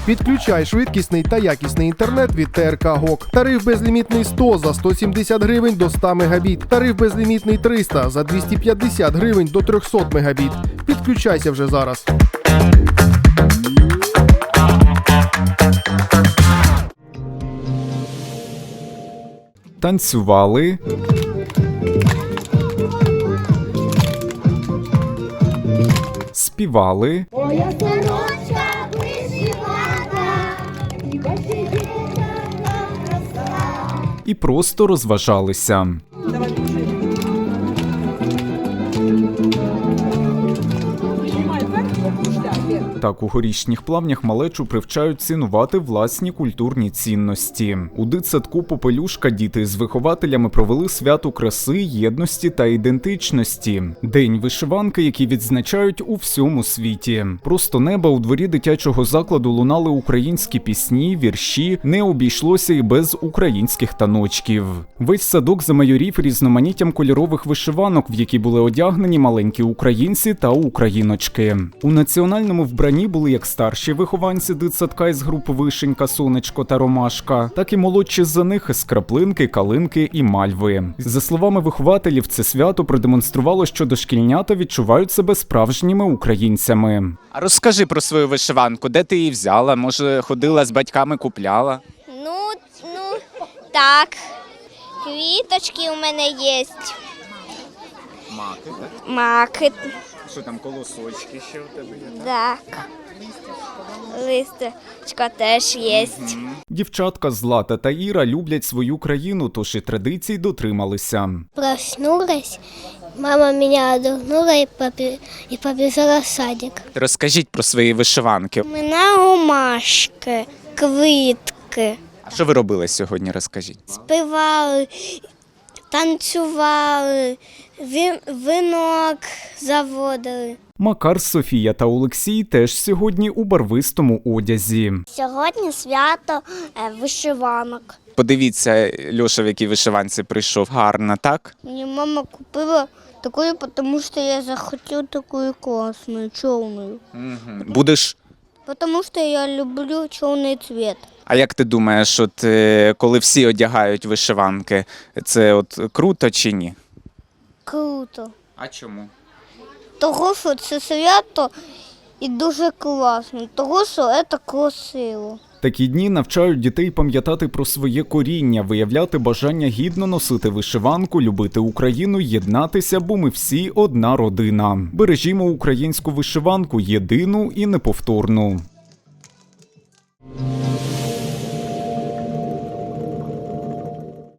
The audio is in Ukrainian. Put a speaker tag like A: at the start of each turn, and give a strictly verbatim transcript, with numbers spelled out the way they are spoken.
A: Підключай швидкісний та якісний інтернет від Те Ер Ка Гок. Тариф безлімітний сто за сто сімдесят гривень до ста мегабіт. Тариф безлімітний триста за двісті п'ятдесят гривень до трьохсот мегабіт. Підключайся вже зараз.
B: Танцювали, співали,
C: Моя сорочка вишивана, і посиділа краса.
B: і просто розважалися. Так, у Горішніх Плавнях малечу привчають цінувати власні культурні цінності. У дитсадку «Попелюшка» діти з вихователями провели свято краси, єдності та ідентичності. День вишиванки, який відзначають у всьому світі. Просто неба у дворі дитячого закладу лунали українські пісні, вірші, не обійшлося і без українських таночків. Весь садок замайорів різноманіттям кольорових вишиванок, в які були одягнені маленькі українці та україночки. У національному вбранні були як старші вихованці дитсадка із груп «Вишенька», «Сонечко» та «Ромашка», так і молодші за них із «Краплинки», «Калинки» і «Мальви». За словами вихователів, це свято продемонструвало, що дошкільнята відчувають себе справжніми українцями.
D: А розкажи про свою вишиванку, де ти її взяла? Може, ходила з батьками, купляла?
C: Ну, ну, так. Квіточки у мене є.
D: Маки, так?
C: Маки,
D: Що там, колосочки ще у тебе є?
C: так. Листочка теж є.
B: Дівчатка Злата та Іра люблять свою країну, тож і традицій дотрималися.
E: Проснулась, мама меня одогнула и, побе- и побежала в садик.
D: Розкажіть про свої вишиванки.
E: У мене ромашки, квітки,
D: А що ви робили сьогодні, розкажіть?
E: співали, танцювали, ві- вінок заводили.
B: Макар, Софія та Олексій теж сьогодні у барвистому одязі.
E: Сьогодні свято вишиванок.
D: Подивіться, Льоша, в якій вишиванці прийшов. Гарно, так?
E: Мені мама купила таку, тому що я захотів таку класну, чорну.
D: Угу. Будеш...
E: Тому що я люблю чорний цвіт.
D: А як ти думаєш, от е, коли всі одягають вишиванки, це от круто чи ні?
E: Круто.
D: А чому?
E: Того, що це свято і дуже класно, того, що це красиво.
B: Такі дні навчають дітей пам'ятати про своє коріння, виявляти бажання гідно носити вишиванку, любити Україну, єднатися, бо ми всі одна родина. Бережімо українську вишиванку, єдину і неповторну.